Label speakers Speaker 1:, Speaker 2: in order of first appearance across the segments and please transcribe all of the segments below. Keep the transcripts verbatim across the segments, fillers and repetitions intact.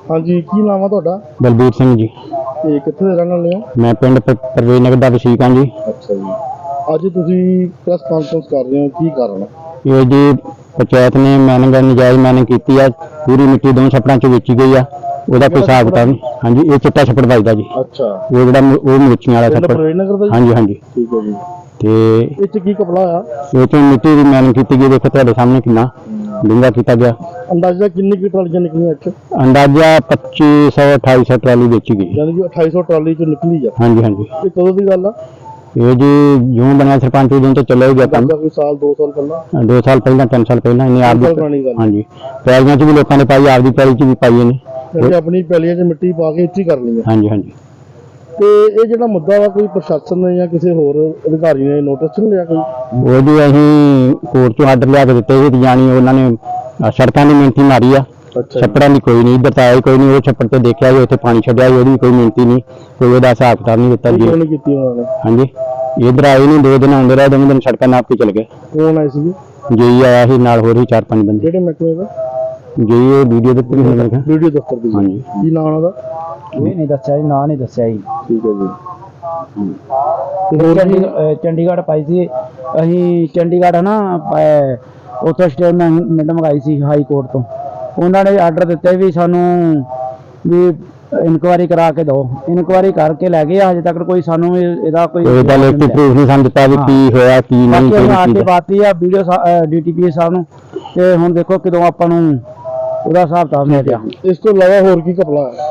Speaker 1: हाँ जी, की नाम है तुहाडा?
Speaker 2: बलबीर सिंह जी।
Speaker 1: ते कित्थे दे रहण वाले हो?
Speaker 2: मैं पिंड परवेज नगर दा वसीक हां जी।
Speaker 1: अच्छा जी, अज तुसीं प्रेस कॉन्फ्रेंस कर रहे हो, की कारण है?
Speaker 2: ये जी पंचायत ने मैनिंग नजायज मैनिंग की है, पूरी मिट्टी दो छप्पड़ां च बेची गई है, ਉਹਦਾ ਕੋਈ ਹਿਸਾਬ ਕਿਤਾਬ नहीं। हाँ जी, ये चिट्टा छप्पड़ बजदा जी।
Speaker 1: अच्छा,
Speaker 2: वो ਜਿਹੜਾ ਉਹ ਮਿਰਚੀਆਂ ਵਾਲਾ ਛੱਪੜ।
Speaker 1: परवेज नगर दा?
Speaker 2: हाँ जी हाँ जी।
Speaker 1: ठीक है जी।
Speaker 2: ਤੇ
Speaker 1: ਇਹ ਚ ਕੀ ਕਪੜਾ ਆ?
Speaker 2: ਇਹ ਤੋਂ ਮਿੱਟੀ ਦੀ ਮੈਨਿੰਗ ਕੀਤੀ ਗਈ, ਦੇਖੋ ਤੁਹਾਡੇ ਸਾਹਮਣੇ ਕਿੰਨਾ ਡੂੰਘਾ ਕੀਤਾ ਗਿਆ।
Speaker 1: ਅੰਦਾਜ਼ਾ ਕਿੰਨੀ ਕੀ ਟਰਾਲੀਆਂ ਨਿਕਲੀਆਂ ਇੱਥੇ?
Speaker 2: ਅੰਦਾਜ਼ਾ ਪੱਚੀ ਸੌ ਅਠਾਈ ਸੌ ਟਰਾਲੀ ਵੇਚੀ ਗਈ।
Speaker 1: ਯਾਨੀ ਕਿ ਅਠਾਈ ਸੌ ਟਰਾਲੀ ਚ ਨਿਕਲੀ ਆ?
Speaker 2: हाँ जी हाँ जी।
Speaker 1: ਇਹ ਕਦੋਂ ਦੀ ਗੱਲ ਆ?
Speaker 2: ਇਹ ਜੀ ਜਿਉਂ ਬਣਿਆ ਸਰਪੰਚ ਉਦੋਂ ਤੋਂ ਚੱਲਿਆ ਹੀ ਗਿਆ ਕੰਮ।
Speaker 1: ਕੋਈ ਸਾਲ ਦੋ ਸਾਲ ਪਹਿਲਾਂ?
Speaker 2: ਦੋ ਸਾਲ ਪਹਿਲਾਂ ਤਿੰਨ ਸਾਲ ਪਹਿਲਾਂ ਇਹਨੇ ਆਪ ਦੀ। हाँ जी, ਪੈਲੀਆਂ 'ਚ ਵੀ ਲੋਕਾਂ ਨੇ ਪਾਈ, ਆਪਦੀ ਪੈਲੀ 'ਚ ਵੀ ਪਾਈ ਇਹਨੇ।
Speaker 1: ਤੇ ਆਪਣੀ ਪੈਲੀਆਂ 'ਚ ਮਿੱਟੀ ਪਾ ਕੇ ਇੱਥੇ ਕਰ ਲਈ ਆ?
Speaker 2: हाँ जी हाँ जी।
Speaker 1: ਤੇ ਇਹ ਜਿਹੜਾ ਮੁੱਦਾ ਵਾ, ਕੋਈ ਪ੍ਰਸ਼ਾਸਨ ਨੇ ਜਾਂ ਕਿਸੇ ਹੋਰ ਅਧਿਕਾਰੀ ਨੇ ਨੋਟਿਸ ਨਹੀਂ ਲਿਆ ਕੋਈ?
Speaker 2: ਉਹ ਜੀ ਅਸੀਂ ਕੋਰਟ ਚੋਂ ਆਰਡਰ ਲਿਆ ਕੇ ਦਿੱਤੇ ਸੀ, ਜਾਣੀ ਉਹਨਾਂ ਨੇ ਸੜਕਾਂ ਦੀ ਮਿਹਨਤੀ ਮਾਰੀ ਆ। ਛੱਪੜਾਂ ਦੀ ਕੋਈ ਨਹੀਂ, ਇੱਧਰ ਤਾਂ ਆਇਆ ਕੋਈ ਨਹੀਂ। ਉਹ ਛੱਪੜ ਤੇ ਦੇਖਿਆ ਜੀ, ਉੱਥੇ ਪਾਣੀ ਛੱਡਿਆ ਜੀ, ਉਹਦੀ ਕੋਈ ਮਿਹਨਤੀ ਨਹੀਂ, ਕੋਈ ਉਹਦਾ ਹਿਸਾਬ ਕਿਤਾਬ ਨਹੀਂ ਦਿੱਤਾ ਜੀ।
Speaker 1: ਕਿਉਂ ਕੀਤੀ ਉਹਨਾਂ ਨੇ?
Speaker 2: ਹਾਂਜੀ, ਇੱਧਰ ਆਏ ਨਹੀਂ, ਦੋ ਦਿਨ ਆਉਂਦੇ ਰਹੇ, ਦੋਵੇਂ ਦਿਨ ਸੜਕਾਂ ਨਾਪ ਕੇ ਚਲੇ ਗਏ।
Speaker 1: ਕੌਣ ਆਏ ਸੀ?
Speaker 2: ਜੀ ਆਇਆ ਸੀ, ਨਾਲ ਹੋਰ ਵੀ ਚਾਰ ਪੰਜ ਬੰਦੇ।
Speaker 1: ਕਿਹੜੇ ਮਹਿਕਮੇ ਦਾ?
Speaker 2: ਜੀ ਇਹ ਵੀਡੀਓ ਦੇ ਉੱਤੇ ਨਹੀਂ ਲੱਗਾ।
Speaker 1: ਵੀਡੀਓ ਦਫ਼ਤਰ ਦੀ?
Speaker 2: ਹਾਂਜੀ।
Speaker 1: ਕੀ ਨਾਮ ਉਹਦਾ?
Speaker 3: ਇਹ ਨਹੀਂ ਦੱਸਿਆ ਜੀ, ਨਾਂ ਨਹੀਂ ਦੱਸਿਆ ਜੀ।
Speaker 1: ਠੀਕ ਹੈ ਜੀ।
Speaker 3: ਤੇ ਹੋਰ ਚੰਡੀ- ਚੰਡੀਗੜ੍ਹ ਪਾਈ ਸੀ ਅਸੀਂ, ਚੰਡੀਗੜ੍ਹ ਨਾ ਉੱਥੋਂ ਸਟੇਟਮੈਂਟ ਮੰਗਾਈ ਸੀ ਹਾਈ ਕੋਰਟ ਤੋਂ। ਉਹਨਾਂ ਨੇ ਆਰਡਰ ਦਿੱਤੇ ਵੀ ਸਾਨੂੰ ਵੀ ਇਨਕੁਆਇਰੀ ਕਰਾ ਕੇ ਦਿਓ। ਇਨਕੁਆਇਰੀ ਕਰਕੇ ਲੈ ਗਏ, ਹਜੇ ਤੱਕ ਕੋਈ ਸਾਨੂੰ ਇਹ- ਇਹਦਾ ਕੋਈ
Speaker 2: ਇਹਦਾ ਲਿਖਤੀ ਪ੍ਰੂਫ ਨਹੀਂ ਸਾਨੂੰ ਦਿੱਤਾ ਵੀ ਕੀ ਹੋਇਆ ਕੀ ਨਹੀਂ।
Speaker 3: ਬਾਕੀ ਅਸੀਂ ਆਰਟੀ ਪਾਤੀ ਆ ਵੀਡੀਓ ਡੀਟੀਪੀ ਸਾਹਿਬ ਨੂੰ, ਤੇ ਹੁਣ ਦੇਖੋ ਕਦੋਂ ਆਪਾਂ ਨੂੰ ਉਹਦਾ ਹਿਸਾਬ ਕਿਤਾਬ ਮਿਲ ਗਿਆ।
Speaker 1: ਇਸ ਤੋਂ ਇਲਾਵਾ ਹੋਰ ਕੀ ਘਪਲਾ ਹੈ?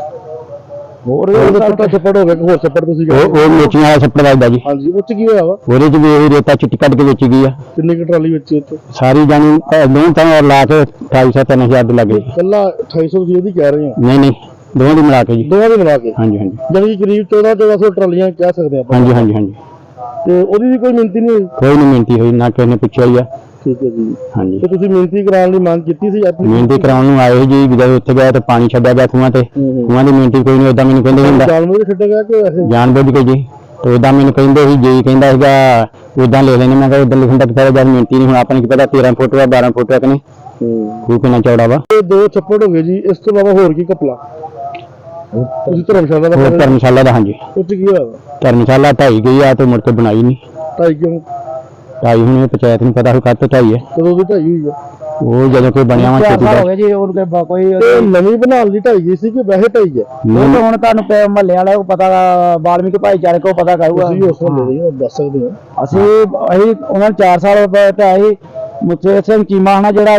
Speaker 3: ਹੋਰ
Speaker 1: ਛੋਟਾ ਛੱਪੜ ਹੋ ਗਿਆ, ਹੋਰ ਛੱਪੜ ਤੁਸੀਂ
Speaker 2: ਉਹ ਉਹ ਮਿਰਚੀਆਂ ਵਾਲਾ ਛੱਪੜ ਵੱਜਦਾ ਜੀ।
Speaker 1: ਹਾਂਜੀ, ਉਹ ਚ ਕੀ ਹੋਇਆ ਵਾ?
Speaker 2: ਉਹਦੇ 'ਚ ਵੀ ਇਹ ਰੇਤਾ ਚਿੱਟੀ ਕੱਢ ਕੇ ਵੇਚੀ ਗਈ ਆ।
Speaker 1: ਕਿੰਨੀ ਕੁ ਟਰਾਲੀ ਵਿੱਚ ਉੱਥੇ?
Speaker 2: ਸਾਰੀ ਜਾਣੀ ਦੋ ਤਾਂ ਲਾ ਕੇ ਅਠਾਈ ਸੌ ਤਿੰਨ ਹਜ਼ਾਰ ਦੇ ਲੱਗੇ।
Speaker 1: ਕੱਲਾ ਅਠਾਈ ਸੌ ਤੁਸੀਂ ਇਹਦੀ ਕਹਿ ਰਹੇ ਹੋ?
Speaker 2: ਨਹੀਂ ਨਹੀਂ, ਦੋਵਾਂ ਦੀ ਮਿਲਾ ਕੇ ਜੀ।
Speaker 1: ਦੋਵਾਂ ਦੀ ਮਿਲਾ ਕੇ?
Speaker 2: ਹਾਂਜੀ ਹਾਂਜੀ।
Speaker 1: ਜਾਨੀ ਕਿ ਕਰੀਬ ਚੌਦਾਂ ਚੌਦਾਂ ਸੌ ਟਰਾਲੀਆਂ ਕਹਿ ਸਕਦੇ ਆਪਾਂ।
Speaker 2: ਹਾਂਜੀ ਹਾਂਜੀ ਹਾਂਜੀ।
Speaker 1: ਤੇ ਉਹਦੀ ਵੀ ਕੋਈ ਮਿਹਨਤੀ ਨਹੀਂ ਹੋਈ?
Speaker 2: ਕੋਈ ਨਹੀਂ ਮਿਹਨਤੀ ਹੋਈ, ਨਾ ਕਿਸੇ ਨੇ ਪੁੱਛਿਆ ਹੀ ਆ।
Speaker 1: ਠੀਕ ਹੈ ਜੀ।
Speaker 2: ਹਾਂਜੀ,
Speaker 1: ਤੇ ਤੁਸੀਂ ਮਿਹਨਤੀ ਕਰਾਉਣ ਲਈ ਮੰਗ ਕੀਤੀ ਸੀ ਆਪਣੀ?
Speaker 2: ਮਿਹਨਤੀ ਕਰਾਉਣ ਨੂੰ ਆਏ ਜੀ, ਜਦੋਂ ਉੱਥੇ ਗਏ ਤਾਂ ਪਾਣੀ ਛੱਡਿਆ ਗਿਆ ਖੂਹਾਂ ਤੇ। ਖੂਹਾਂ ਦੀ ਮਿਹਨਤੀ ਕੋਈ ਨਹੀਂ, ਓਦਾਂ ਮੈਨੂੰ ਕਹਿੰਦੇ ਹੁੰਦਾ
Speaker 1: ਜਾਨਵਰ ਛੱਡਿਆ ਗਿਆ ਕਿ ਵੈਸੇ
Speaker 2: ਜਾਣ ਬੁੱਝ ਕੇ ਜੀ। ਤੇ ਓਦਾਂ ਮੈਨੂੰ ਕਹਿੰਦੇ ਸੀ, ਜੀ ਕਹਿੰਦਾ ਸੀਗਾ ਓਦਾਂ ਲੈ ਲੈਣੇ। ਮੈਂ ਕਿਹਾ ਓਦਾਂ ਲਿਖਣ ਦਾ ਪਤਾ, ਜਦ ਮਿਹਨਤੀ ਨਹੀਂ। ਹੁਣ ਆਪਾਂ ਨੂੰ ਕੀ ਪਤਾ ਤੇਰਾਂ ਫੁੱਟ ਵਾ ਬਾਰਾਂ ਫੁੱਟ ਕਿ ਨਹੀਂ, ਖੂਹ ਕਿੰਨਾ ਚੌੜਾ ਵਾ।
Speaker 1: ਇਹ ਦੋ ਛੱਪੜ ਹੋ ਗਏ ਜੀ, ਇਸ ਤੋਂ ਇਲਾਵਾ ਹੋਰ ਕੀ ਘਪਲਾ? ਤੁਸੀਂ ਧਰਮਸ਼ਾਲਾ ਦਾ?
Speaker 2: ਹੋਰ ਧਰਮਸ਼ਾਲਾ ਦਾ। ਹਾਂਜੀ,
Speaker 1: ਉਹ ਚ ਕੀ ਹੋਇਆ?
Speaker 2: ਧਰਮਸ਼ਾਲਾ ਢਾਈ ਗਈ ਆ ਤੇ ਮੁੜ ਕੇ ਬਣਾਈ ਨਹੀਂ।
Speaker 1: ਢਾਈ ਕਿਉਂ?
Speaker 2: ਢਾਈ ਹੁਣ ਇਹ ਪੰਚਾਇਤ ਨੂੰ ਪਤਾ ਹੋ ਕੱਤ ਢਾਈ ਹੈ।
Speaker 1: ਕਦੋਂ ਦੀ ਢਾਈ ਹੋਈ ਆ?
Speaker 2: ਉਹ ਜਦੋਂ ਕੋਈ ਬਣਿਆ ਵਾ ਛੇਤੀ
Speaker 3: ਹੋ ਗਿਆ ਜੀ। ਉਹਨੂੰ ਕੋਈ ਕੋਈ
Speaker 1: ਇਹ ਨਵੀਂ ਬਣਾਉਣ ਦੀ ਢਾਈ ਗਈ ਸੀ ਕਿ ਵੈਸੇ ਢਾਈ ਹੈ?
Speaker 3: ਉਹ ਤਾਂ ਹੁਣ ਤੁਹਾਨੂੰ ਮਹੱਲੇ ਵਾਲੇ ਨੂੰ ਪਤਾ, ਵਾਲਮੀਕ ਭਾਈਚਾਰੇ ਕੋਲ ਪਤਾ ਕਰੂਗਾ।
Speaker 1: ਤੁਸੀਂ ਉਸ ਵੇਲੇ ਦੇ ਦੱਸ ਸਕਦੇ ਹੋ?
Speaker 3: ਅਸੀਂ ਅਸੀਂ ਉਹਨਾਂ ਨੂੰ ਚਾਰ ਸਾਲ ਢਾਈ ਮੁੱਤੇ ਸਿੰਘ ਚੀਮਾ ਹਨਾ ਜਿਹੜਾ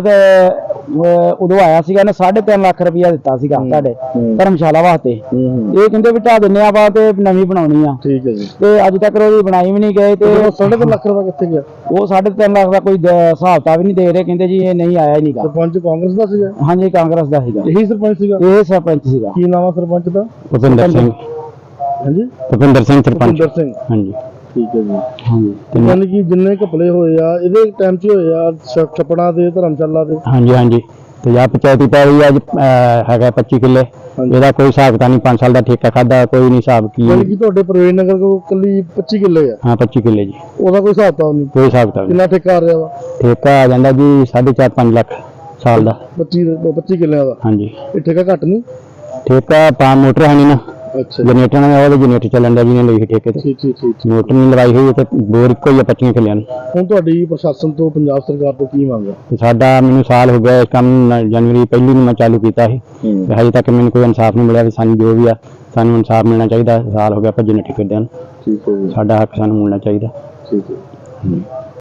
Speaker 3: ਉਦੋਂ ਆਇਆ ਸੀਗਾ, ਇਹਨੇ ਸਾਢੇ ਤਿੰਨ ਲੱਖ ਰੁਪਇਆ ਦਿੱਤਾ ਸੀਗਾ ਸਾਡੇ ਧਰਮਸ਼ਾਲਾ ਵਾਸਤੇ। ਇਹ ਕਹਿੰਦੇ ਵੀ ਢਾ ਦਿੰਨੇ ਆਪਾਂ ਤੇ ਨਵੀਂ ਬਣਾਉਣੀ ਆ।
Speaker 1: ਠੀਕ ਹੈ ਜੀ।
Speaker 3: ਤੇ ਅੱਜ ਤੱਕ ਉਹਦੀ ਬਣਾਈ ਵੀ ਨਹੀਂ ਗਏ। ਤੇ
Speaker 1: ਸਾਢੇ ਤਿੰਨ ਲੱਖ ਰੁਪਇਆ ਕਿੱਥੇ ਗਿਆ?
Speaker 3: ਉਹ ਸਾਢੇ ਤਿੰਨ ਲੱਖ ਦਾ ਕੋਈ ਹਿਸਾਬ ਤਾਂ ਵੀ ਨਹੀਂ ਦੇ ਰਹੇ, ਕਹਿੰਦੇ ਜੀ ਇਹ ਨਹੀਂ ਆਇਆ ਹੀ ਨਹੀਂਗਾ।
Speaker 1: ਸਰਪੰਚ ਕਾਂਗਰਸ ਦਾ ਸੀਗਾ?
Speaker 3: ਹਾਂਜੀ, ਕਾਂਗਰਸ ਦਾ ਸੀਗਾ।
Speaker 1: ਇਹੀ ਸਰਪੰਚ ਸੀਗਾ?
Speaker 3: ਇਹ ਸਰਪੰਚ ਸੀਗਾ।
Speaker 1: ਕੀ ਨਾਮ ਆ ਸਰਪੰਚ ਦਾ?
Speaker 2: ਭੁਪਿੰਦਰ ਸਿੰਘ।
Speaker 1: ਹਾਂਜੀ,
Speaker 2: ਭੁਪਿੰਦਰ ਸਿੰਘ ਸਰਪੰਚ।
Speaker 1: ਭੁਪਿੰਦਰ ਸਿੰਘ।
Speaker 2: ਹਾਂਜੀ
Speaker 1: ਠੀਕ ਹੈ ਜੀ।
Speaker 2: ਹਾਂਜੀ
Speaker 1: ਯਾਨੀ ਕਿ ਜਿੰਨੇ ਘਪਲੇ ਹੋਏ ਆ ਇਹਦੇ ਟਾਈਮ 'ਚ ਹੋਏ ਆ, ਛੱਪੜਾਂ ਦੇ, ਧਰਮਸ਼ਾਲਾ ਦੇ?
Speaker 2: ਹਾਂਜੀ ਹਾਂਜੀ। ਤੇ ਆ ਪੰਚਾਇਤੀ ਪੈਲੀ ਅੱਜ ਹੈਗਾ ਪੱਚੀ ਕਿੱਲੇ। ਇਹਦਾ ਕੋਈ ਹਿਸਾਬ ਤਾਂ ਨਹੀਂ, ਪੰਜ ਸਾਲ ਦਾ ਠੇਕਾ ਖਾਦਾ, ਕੋਈ ਨਹੀਂ ਹਿਸਾਬ ਕੀ।
Speaker 1: ਯਾਨੀ ਕਿ ਤੁਹਾਡੇ ਪ੍ਰਵੇਸ਼ ਨਗਰ ਕੋਲ ਕੱਲੀ ਪੱਚੀ ਕਿੱਲੇ ਆ?
Speaker 2: ਹਾਂ ਪੱਚੀ ਕਿੱਲੇ ਜੀ।
Speaker 1: ਉਹਦਾ ਕੋਈ ਹਿਸਾਬ ਤਾਂ ਨਹੀਂ?
Speaker 2: ਕੋਈ ਹਿਸਾਬ ਤਾਂ
Speaker 1: ਕਿੰਨਾ ਠੇਕਾ ਆ ਰਿਹਾ ਵਾ?
Speaker 2: ਠੇਕਾ ਆ ਜਾਂਦਾ ਜੀ ਸਾਢੇ ਚਾਰ ਪੰਜ ਲੱਖ ਸਾਲ ਦਾ।
Speaker 1: ਪੱਚੀ ਪੱਚੀ ਕਿੱਲਿਆਂ ਦਾ?
Speaker 2: ਹਾਂਜੀ।
Speaker 1: ਇਹ ਠੇਕਾ ਘੱਟ ਨਹੀਂ?
Speaker 2: ਠੇਕਾ ਪਾ ਮੋਟਰ ਹੈ ਨਹੀਂ ਨਾ।
Speaker 1: ਅੱਛਾ,
Speaker 2: ਜਨਰੇਟਰ ਨਾਲ ਉਹਦੇ ਜਨਰੇਟਰ ਚੱਲਣ ਦਾ ਜਿਹਨੇ ਲਈ ਠੇਕੇ ਤੇ।
Speaker 1: ਠੀਕ ਠੀਕ ਠੀਕ।
Speaker 2: ਮੋਟਰ ਨਹੀਂ ਲਵਾਈ ਹੋਈ ਤੇ ਬੋਰ ਇੱਕੋ ਹੀ ਆ ਪੱਚੀਆਂ ਕਿੱਲਿਆਂ ਨੂੰ।
Speaker 1: ਹੁਣ ਤੁਹਾਡੀ ਪ੍ਰਸ਼ਾਸਨ ਤੋਂ, ਪੰਜਾਬ ਸਰਕਾਰ ਤੋਂ ਕੀ ਮੰਗ ਹੈ?
Speaker 2: ਤੇ ਸਾਡਾ ਮੈਨੂੰ ਸਾਲ ਹੋ ਗਿਆ ਇਸ ਕੰਮ ਨੂੰ, ਜਨਵਰੀ ਪਹਿਲੀ ਨੂੰ ਮੈਂ ਚਾਲੂ ਕੀਤਾ ਸੀ ਤੇ ਹਜੇ ਤੱਕ ਮੈਨੂੰ ਕੋਈ ਇਨਸਾਫ ਨਹੀਂ ਮਿਲਿਆ। ਤੇ ਸਾਨੂੰ ਜੋ ਵੀ ਆ ਸਾਨੂੰ ਇਨਸਾਫ ਮਿਲਣਾ ਚਾਹੀਦਾ। ਸਾਲ ਹੋ ਗਿਆ ਭੱਜਣ ਠੇਕੇਦਾਰਾਂ ਨੂੰ।
Speaker 1: ਠੀਕ ਹੈ ਜੀ।
Speaker 2: ਸਾਡਾ ਹੱਕ ਸਾਨੂੰ ਮਿਲਣਾ ਚਾਹੀਦਾ।
Speaker 1: ਠੀਕ ਹੈ।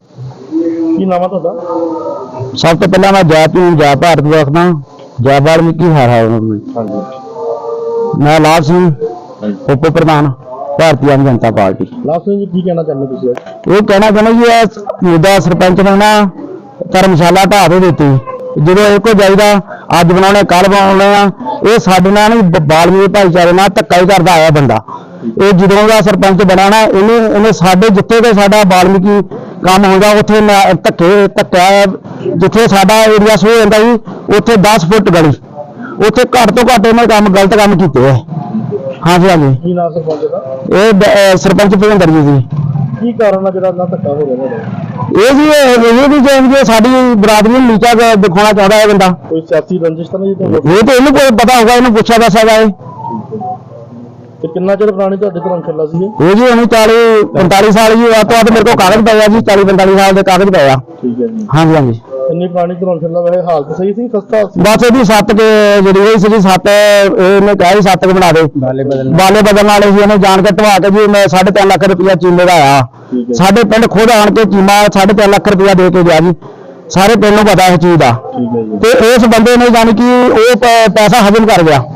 Speaker 1: ਕੀ ਨਾਮ ਆ ਤੁਹਾਡਾ?
Speaker 2: ਸਭ ਤੋਂ ਪਹਿਲਾਂ ਮੈਂ ਜੈ ਭੀਮ ਜੈ ਭਾਰਤ ਵੇਖਦਾ, ਜੈ ਵਾਲਮੀਕੀ ਹਰ ਹਰ।
Speaker 1: ਹਾਂਜੀ।
Speaker 2: ਮੈਂ ਲਾਭ ਸਿੰਘ, ਉਪ ਪ੍ਰਧਾਨ ਭਾਰਤੀ ਆਮ ਜਨਤਾ ਪਾਰਟੀ।
Speaker 1: ਲਾਭ ਸਿੰਘ ਜੀ, ਕੀ ਕਹਿਣਾ ਚਾਹੁੰਦੇ ਤੁਸੀਂ?
Speaker 2: ਇਹ ਕਹਿਣਾ ਚਾਹੁੰਦਾ ਜੀ ਇਹ ਮੁੱਦਾ ਸਰਪੰਚ ਨੇ ਨਾ ਧਰਮਸ਼ਾਲਾ ਢਾਹ ਦੇ ਦਿੱਤੀ। ਜਦੋਂ ਇਹ ਕੋ ਜਾਈਦਾ ਅੱਜ ਬਣਾਉਣੇ ਕੱਲ ਬਣਾਉਣੇ ਆ, ਇਹ ਸਾਡੇ ਨਾਲ ਨਹੀਂ ਵਾਲਮੀਕ ਭਾਈਚਾਰੇ ਨਾਲ ਧੱਕਾ ਹੀ ਕਰਦਾ ਆਇਆ ਬੰਦਾ। ਇਹ ਜਦੋਂ ਦਾ ਸਰਪੰਚ ਬਣਾਣਾ ਇਹਨੇ ਇਹਨੇ ਸਾਡੇ ਜਿੱਥੇ ਤੇ ਸਾਡਾ ਵਾਲਮੀਕੀ ਕੰਮ ਹੁੰਦਾ ਉੱਥੇ ਧੱਕੇ ਧੱਕਿਆ। ਜਿੱਥੇ ਸਾਡਾ ਏਰੀਆ ਸੋ ਜਾਂਦਾ ਜੀ ਉੱਥੇ ਦਸ ਫੁੱਟ ਗਲੀ, ਉੱਥੇ ਘੱਟ ਤੋਂ ਘੱਟ ਇਹਨੇ ਕੰਮ ਗਲਤ ਕੰਮ ਕੀਤੇ ਹੈ। ਹਾਂਜੀ ਹਾਂਜੀ।
Speaker 1: ਕੀ ਨਾਮ ਸਰਪੰਚ ਦਾ?
Speaker 2: ਇਹ ਸਰਪੰਚ ਭੁਪਿੰਦਰ ਜੀ ਜੀ।
Speaker 1: ਕੀ ਕਾਰਨ ਆ ਜਿਹੜਾ ਇੰਨਾ ਧੱਕਾ ਹੋ ਰਿਹਾ ਤੁਹਾਡਾ?
Speaker 2: ਇਹ ਜੀ ਇਹ ਇਹ ਵੀ ਜੇ ਸਾਡੀ ਬਰਾਦਰੀ ਨੂੰ ਨੀਚਾ ਕ- ਦਿਖਾਉਣਾ ਚਾਹੁੰਦਾ ਇਹ ਬੰਦਾ।
Speaker 1: ਕੋਈ ਸਿਆਸੀ ਰੰਜਿਸ਼ ਤਾਂ ਨਹੀਂ ਜੀ ਤੁਹਾਨੂੰ?
Speaker 2: ਇਹ ਤੇ ਇਹਨੂੰ ਕੋਈ ਪਤਾ ਹੋਗਾ, ਇਹਨੂੰ ਪੁੱਛਿਆ ਦੱਸਿਆ ਜਾਏ।
Speaker 1: ਤੇ ਕਿੰਨਾ ਚਿਰ ਪੁਰਾਣੀ ਤੁਹਾਡੇ ਧਰਮਸ਼ਾਲਾ ਸੀ ਇਹ?
Speaker 2: ਇਹ ਜੀ ਉਹਨੂੰ ਚਾਲੀ ਪੰਤਾਲੀ ਸਾਲ ਜੀ ਆ ਤੋਂ ਬਾਅਦ ਮੇਰੇ ਕੋਲ ਕਾਗਜ਼ ਪਏ ਆ ਜੀ, ਚਾਲੀ ਪੰਤਾਲੀ ਸਾਲ ਦੇ ਕਾਗਜ਼ ਪਏ ਆ।
Speaker 1: ਠੀਕ ਹੈ ਜੀ।
Speaker 2: ਹਾਂਜੀ ਹਾਂਜੀ।
Speaker 1: ਇੰਨੀ ਪੁਰਾਣੀ ਧਰਮਸ਼ਾਲਾ ਵੈਸੇ ਹਾਲਤ ਸਹੀ ਸੀ, ਖਸਤਾ ਸੀ?
Speaker 2: ਬਸ ਇਹਦੀ ਸੱਤ ਕੇ ਜਿਹੜੀ ਹੋਈ ਸੀ ਸੱਤ, ਇਹਨੇ ਕਿਹਾ ਸੀ ਸੱਤ ਕੇ ਬਣਾ ਦੇ।
Speaker 3: ਬਾਲੇ ਬਦਲ
Speaker 2: ਬਾਲੇ ਬਦਲਣ ਵਾਲੇ ਸੀ, ਇਹਨੇ ਜਾਣ ਕੇ ਢਵਾ ਕੇ ਜੀ ਮੈਂ ਸਾਢੇ ਤਿੰਨ ਲੱਖ ਰੁਪਇਆ ਚੀਮੇ ਦਾ ਆਇਆ।
Speaker 1: ਠੀਕ ਹੈ।
Speaker 2: ਸਾਡੇ ਪਿੰਡ ਖੁਦ ਆਣ ਕੇ ਚੀਮਾ ਸਾਢੇ ਤਿੰਨ ਲੱਖ ਰੁਪਇਆ ਦੇ ਕੇ ਗਿਆ ਜੀ। ਸਾਰੇ ਪਿੰਡ ਨੂੰ ਪਤਾ ਇਸ ਚੀਜ਼ ਦਾ।
Speaker 1: ਠੀਕ ਹੈ ਜੀ।
Speaker 2: ਤੇ ਇਸ ਬੰਦੇ ਨੇ ਜਾਣੀ ਕਿ ਉਹ ਪ- ਪੈਸਾ ਹਜ਼ਮ ਕਰ ਗਿਆ।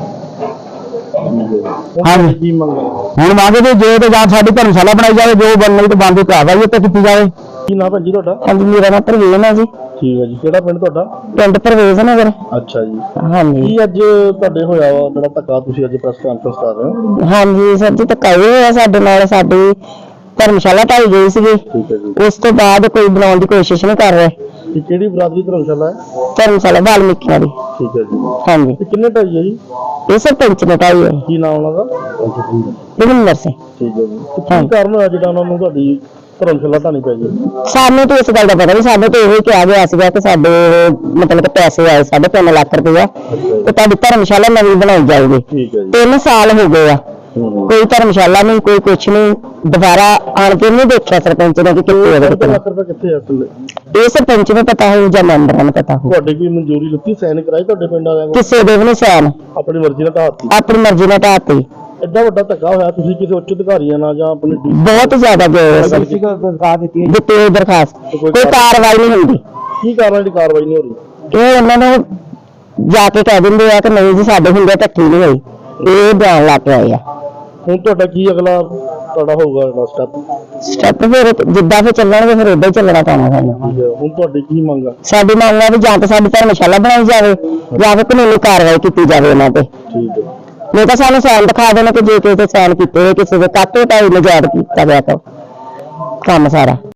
Speaker 1: ਹੁਣ
Speaker 2: ਹਾਂਜੀ।
Speaker 1: ਕੀ ਮੰਗ ਹੈ?
Speaker 2: ਹੁਣ ਮੰਗਦੇ ਜੇ ਤੇ ਜਾਂ ਸਾਡੀ ਧਰਮਸ਼ਾਲਾ ਬਣਾਈ ਜਾਵੇ, ਜੋ ਬਣਨੀ ਤੇ ਬੰਦ ਕਾਰਵਾਈ ਉੱਤੇ ਕੀਤੀ ਜਾਵੇ।
Speaker 1: ਕੀ ਨਾਮ ਹੈ ਜੀ ਤੁਹਾਡਾ?
Speaker 2: ਹਾਂਜੀ, ਮੇਰਾ ਨਾਮ ਪ੍ਰਵੇਸ਼ ਹੈ ਜੀ,
Speaker 1: ਠੀਕ ਹੈ ਜੀ। ਕਿਹੜਾ ਪਿੰਡ ਤੁਹਾਡਾ?
Speaker 2: ਪਿੰਡ ਪ੍ਰਵੇਸ਼ ਨਗਰ।
Speaker 1: ਅੱਛਾ ਜੀ।
Speaker 2: ਹਾਂਜੀ
Speaker 1: ਕੀ ਅੱਜ ਤੁਹਾਡੇ ਹੋਇਆ ਵਾ ਜਿਹੜਾ ਧੱਕਾ, ਤੁਸੀਂ ਅੱਜ ਪ੍ਰੈਸ ਕਾਨਫਰੰਸ ਕਰ ਰਹੇ ਹੋ?
Speaker 2: ਹਾਂਜੀ ਸਰ ਜੀ, ਧੱਕਾ ਇਹ ਹੋਇਆ ਸਾਡੇ ਨਾਲ। ਸਾਡੀ ਧਰਮਸ਼ਾਲਾ ਢਾਈ ਗਈ ਸੀਗੀ,
Speaker 1: ਠੀਕ ਹੈ ਜੀ।
Speaker 2: ਉਸ ਤੋਂ ਬਾਅਦ ਕੋਈ ਬਣਾਉਣ ਦੀ ਕੋਸ਼ਿਸ਼ ਨਹੀਂ ਕਰ ਰਹੇ।
Speaker 1: ਇਹ ਕਿਹੜੀ ਬਰਾਦਰੀ ਧਰਮਸ਼ਾਲਾ ਹੈ?
Speaker 2: ਧਰਮਸ਼ਾਲਾ ਵਾਲਮੀਕੀਆਂ ਦੀ।
Speaker 1: ਠੀਕ ਹੈ ਜੀ।
Speaker 2: ਹਾਂਜੀ,
Speaker 1: ਤੇ ਕਿੰਨੇ ਢਾਈ ਹੈ ਜੀ?
Speaker 2: ਇਹ ਸਰਪੰਚ ਨੇ ਢਾਈ ਹੈ,
Speaker 1: ਕੀ ਨਾਮ ਉਹਨਾਂ ਦਾ?
Speaker 2: ਰਵਿੰਦਰ ਸਿੰਘ।
Speaker 1: ਠੀਕ ਹੈ ਜੀ। ਤੇ ਕੀ ਕਾਰਨ ਹੋਇਆ ਜਿਹੜਾ ਉਹਨਾਂ ਨੂੰ ਤੁਹਾਡੀ ਧਰਮਸ਼ਾਲਾ ਢਾਣੀ ਪੈ ਗਈ?
Speaker 2: ਸਾਨੂੰ ਤਾਂ ਇਸ ਗੱਲ ਦਾ ਪਤਾ ਨਹੀਂ, ਸਾਨੂੰ ਤਾਂ ਇਹ ਕਿਹਾ ਗਿਆ ਸੀਗਾ ਕਿ ਸਾਡੇ ਮਤਲਬ ਕਿ ਪੈਸੇ ਆਏ ਸਾਢੇ ਤਿੰਨ ਲੱਖ ਰੁਪਇਆ ਤੇ ਤੁਹਾਡੀ ਧਰਮਸ਼ਾਲਾ ਨਵੀਂ ਬਣਾਈ ਜਾਊਗੀ।
Speaker 1: ਠੀਕ ਹੈ ਜੀ।
Speaker 2: ਤਿੰਨ ਸਾਲ ਹੋ ਗਏ ਆ,
Speaker 1: ਹੂੰ।
Speaker 2: ਕੋਈ ਧਰਮਸ਼ਾਲਾ ਨਹੀਂ, ਕੋਈ ਕੁਛ ਨਹੀਂ। ਦੁਬਾਰਾ ਆਣ ਕੇ ਨਹੀਂ ਦੇਖਿਆ ਸਰਪੰਚ ਨੇ ਕਿ ਕਿੱਥੇ
Speaker 1: ਸਾਢੇ
Speaker 2: ਹੈ।
Speaker 1: ਤਿੰਨ ਲੱਖ ਰੁਪਏ ਕਿੱਥੇ ਆ ਥੱਲੇ?
Speaker 2: ਇਹ ਸਰਪੰਚ ਨੂੰ ਪਤਾ ਹੋਊ ਜਾਂ ਮੈਂਬਰਾਂ ਨੂੰ ਪਤਾ ਹੋਊ।
Speaker 1: ਤੁਹਾਡੇ ਕੀ ਮਨਜ਼ੂਰੀ ਲਿੱਤੀ, ਸਾਈਨ ਕਰਾਈ ਤੁਹਾਡੇ ਪਿੰਡ ਵਾਲਿਆਂ ਨੇ?
Speaker 2: ਕਿਸੇ ਦੇ ਵੀ ਨਹੀਂ ਸੈਨ,
Speaker 1: ਆਪਣੀ ਮਰਜ਼ੀ ਨਾਲ ਢਾਤੀ?
Speaker 2: ਆਪਣੀ ਮਰਜ਼ੀ ਨਾਲ ਢਾਤੀ।
Speaker 1: ਐਡਾ ਵੱਡਾ ਧੱਕਾ ਹੋਇਆ, ਤੁਸੀਂ ਕਿਸੇ ਉੱਚ ਅਧਿਕਾਰੀਆਂ ਨਾਲ ਜਾਂ ਆਪਣੇ ਡੀ-
Speaker 2: ਬਹੁਤ ਜ਼ਿਆਦਾ ਗਏ ਸੀ,
Speaker 3: ਦਿੱਤੀ ਹੈ
Speaker 2: ਦਿੱਤੀ ਹੋਈ ਦਰਖਾਸਤ, ਕੋਈ ਕਾਰਵਾਈ ਨਹੀਂ ਹੁੰਦੀ।
Speaker 1: ਕੀ ਕਾਰਨ ਦੀ ਕਾਰਵਾਈ ਨਹੀਂ ਹੋ ਰਹੀ?
Speaker 2: ਇਹ ਉਹਨਾਂ ਨੂੰ ਜਾ ਕੇ ਕਹਿ ਦਿੰਦੇ ਆ ਕਿ ਨਹੀਂ ਜੀ ਸਾਡੇ ਹੁੰਦੇ ਧੱਕੀ ਨਹੀਂ ਹੋਈ, ਇਹ ਬਿਆਨ ਲਾ ਕੇ ਆਏ ਆ।
Speaker 1: ਹੁਣ ਤੁਹਾਡਾ ਕੀ ਅਗਲਾ ਤੁਹਾਡਾ ਹੋਊਗਾ ਅਗਲਾ ਸਟੈਪ?
Speaker 2: ਸਟੈਪ ਫਿਰ ਜਿੱਦਾਂ ਫਿਰ ਚੱਲਣਗੇ ਫਿਰ ਉਦਾਂ ਹੀ ਚੱਲਣਾ ਪੈਣਾ ਸਾਨੂੰ।
Speaker 1: ਹੁਣ ਤੁਹਾਡੀ ਕੀ ਮੰਗ ਆ?
Speaker 2: ਸਾਡੀ ਮੰਗ ਹੈ ਵੀ ਜਾਂ ਤਾਂ ਸਾਡੀ ਧਰਮਸ਼ਾਲਾ ਬਣਾਈ ਜਾਵੇ ਜਾਂ ਫਿਰ ਕਾਨੂੰਨੀ ਕਾਰਵਾਈ ਕੀਤੀ ਜਾਵੇ ਇਹਨਾਂ ਤੇ।
Speaker 1: ਠੀਕ ਹੈ।
Speaker 2: ਨਹੀਂ ਤਾਂ ਸਾਨੂੰ ਸਾਈਨ ਦਿਖਾ ਦੇਣਾ ਕਿ ਜੇ ਕਿਸੇ ਦੇ ਸਾਈਨ ਕੀਤੇ ਹੋਏ, ਕਿਸੇ ਦੇ ਕਾਟੇ ਢਾਈ ਨਜਾਇਜ਼ ਕੀਤਾ ਗਿਆ ਤਾਂ ਕੰਮ ਸਾਰਾ।